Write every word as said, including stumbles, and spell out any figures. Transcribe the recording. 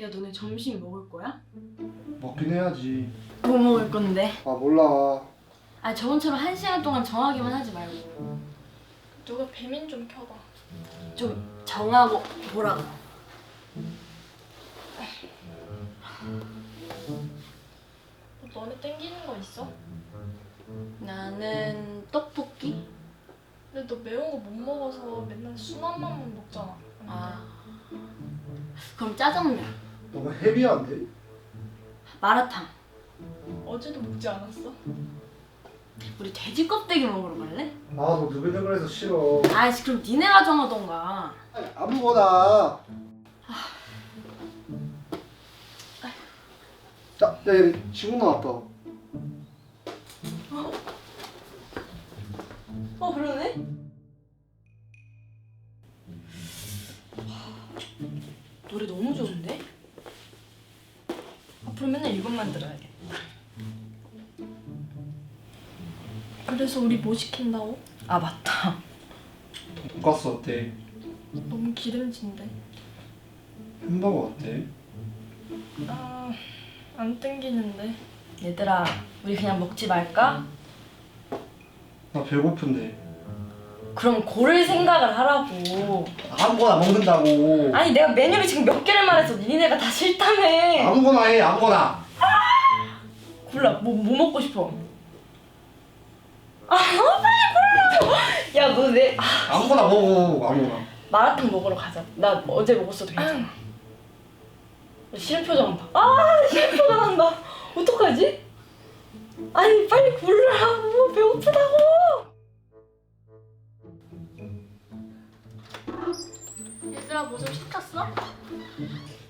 야, 너네 점심 먹을 거야? 먹긴 해야지. 뭐 먹을 건데? 아 몰라. 아, 저번처럼 한 시간 동안 정하기만 하지 말고 누가 배민 좀 켜봐. 좀 정하고 보라고. 너네 땡기는 거 있어? 나는 떡볶이? 근데 너 매운 거 못 먹어서 맨날 순한 맛만 먹잖아. 아, 그럼 짜장면, 너무 헤비한데? 마라탕. 어제도 먹지 않았어? 우리 돼지 껍데기 먹으러 갈래? 아너 느글느글해서 싫어. 아이씨, 그럼 니네가 정하던가. 아니, 아무거나. 야, 야, 얘 친구 나왔다. 어, 그러네? 노래 너무 좋은데? 앞으로 맨날 이것만 들어야겠다. 그래서 우리 뭐 시킨다고? 아, 맞다. 돈가스 어때? 너무 기름진데. 햄버거 어때? 아, 안 땡기는데. 얘들아, 우리 그냥 먹지 말까? 나 배고픈데. 그럼 고를 생각을 하라고. 아무거나 먹는다고. 아니, 내가 메뉴를 지금 몇 개를 말해서 니네가 다 싫다며. 아무거나 해, 아무거나. 골라. 뭐, 뭐 먹고 싶어? 아, 빨리 골라. 야, 너 내... 아, 아무거나 먹어, 아무거나. 마라탕 먹으러 가자. 나 어제 먹었어도 괜찮아. 싫은 표정 봐. 아, 싫은 표정 한다. 어떡하지? 아니, 빨리 골라라고. 배고프다고. 얘들아, 뭐 좀 시켰어?